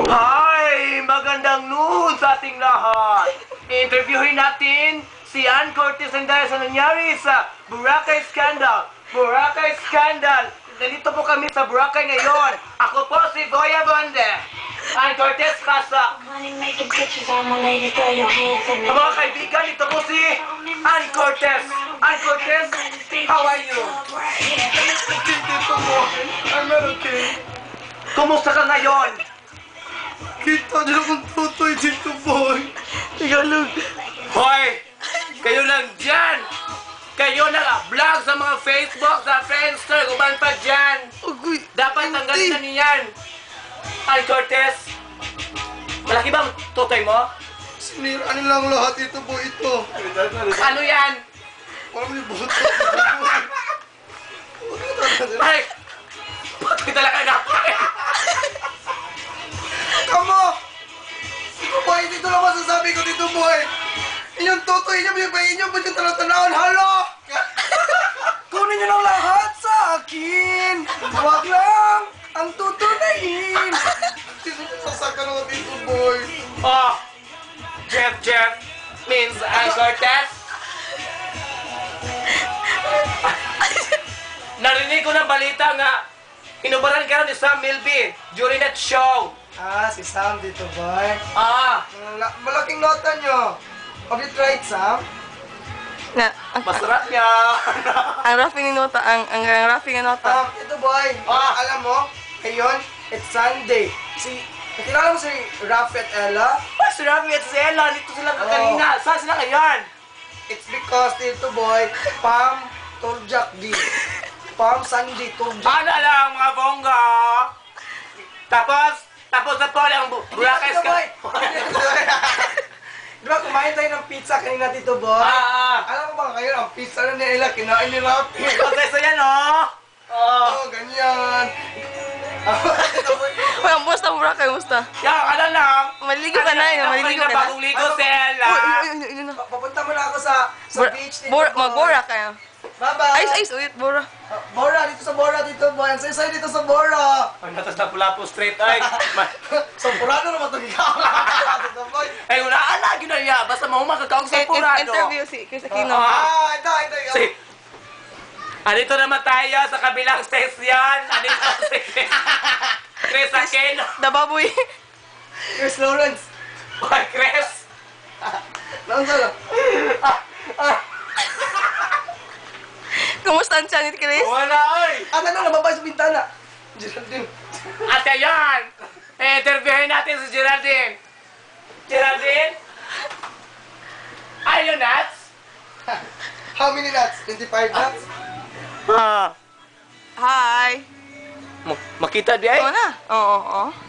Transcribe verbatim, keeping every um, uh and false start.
Hi! Magandang noon sa ating lahat! I-interviewin natin si Ann Cortez ang dahil sa nangyari sa Boracay Scandal. Boracay Scandal! Nandito po kami sa Boracay ngayon. Ako po si Goya Bonde. Ann Cortez Casa. Mga kaibigan, ito po si Ann Cortez. Ann Cortez, how are you? Dito po. I'm okay. Kumusta ka ngayon? Kita niyo kung tutoy dito, boy. Ikaw lang. Hoy! Kayo lang dyan! Kayo nag-vlog sa mga Facebook, sa Friendster, kuman pa dyan! Agoy, Dapat tanggalin na niyan! Ann Cortez! Malaki bang tutoy mo? sinira nilang lahat ito, boy, ito. Ano yan? Parang may buto. Ay! Pati talaga natin! Kamo! Boy, dito lang masasabi ko dito, boy. Inyong tutoy niyo, yung bayin niyo, ba't yung tanong-tanawin? Halo! Kunin niyo lang lahat sa akin. Huwag lang ang tutunayin. Sino sasaka naman dito, boy? Oh! Jeff Jeff means Ann Cortez? Narinig ko ng balita nga inubaran ka ni Sam Milby during that show. Ah, si Sam dito, boy. Ah! Mala- Malaking nota niyo. Have you tried, Sam? Na, ang, Masarap niya! ang raffing ni nota, ang, ang, ang raffing ni nota. Um, ito, boy. Ah. Alam mo, ngayon, it's Sunday. Si, nakilala mo si Rafi at Ella? Mas Rafi at Zella, dito sila Oh. kanina. Saan sila ngayon? It's because dito, boy, Pam Toljak di. Pam Sunday Toljak. Ano lang, mga bongga? Tapos, tapos na po ang bu- Boracay Dito, boy. Scandal. Di ba kumain tayo ng pizza kanina dito, boy? Ah! Alam mo ba ngayon, ang pizza na nila, kinain ni Rafi. Okay, so yan, oh! Oh! Oh, ganyan. Ito, boy. Uy, ang musta mo, Boracay, musta? Yan, ano lang? Maliligo ka na, yun, maliligo ka na. Bagong ligo, Zella. Uy, uy, uy, uy, uy, na. Pa- Papunta mo na ako sa, sa Bor- beach dito, bor- boy. Mag-bora kayo. Bye-bye. Ayos, ayos, uyit, bora. Uh, Bora, dito sa Bora, dito, boy. Ang sayo dito sa Bora. Ang natas na pula po straight, ay. Ma- Sampurado naman itong ikaw. Dito, boy. Ay, wala ka lagi na niya. Basta mahumag ka sa In- in- purado. Interview si Chris Aquino. Ah, ito, ito. ito. Si... Andito naman tayo sa kabilang station. Andito si... Chris Aquino. The Baboy. Chris Lawrence. Boy, Chris. Nang sala. Kumusta ang tiyan ni Chris? Wala, ay. At ano, nababay sa bintana. Geraldine. At ayan. Eh, interviewin natin si Geraldine. Geraldine? Are you nuts? How many nuts? twenty-five nuts? Ah. Hi. Makita di ay? Oo na. Oo, oo.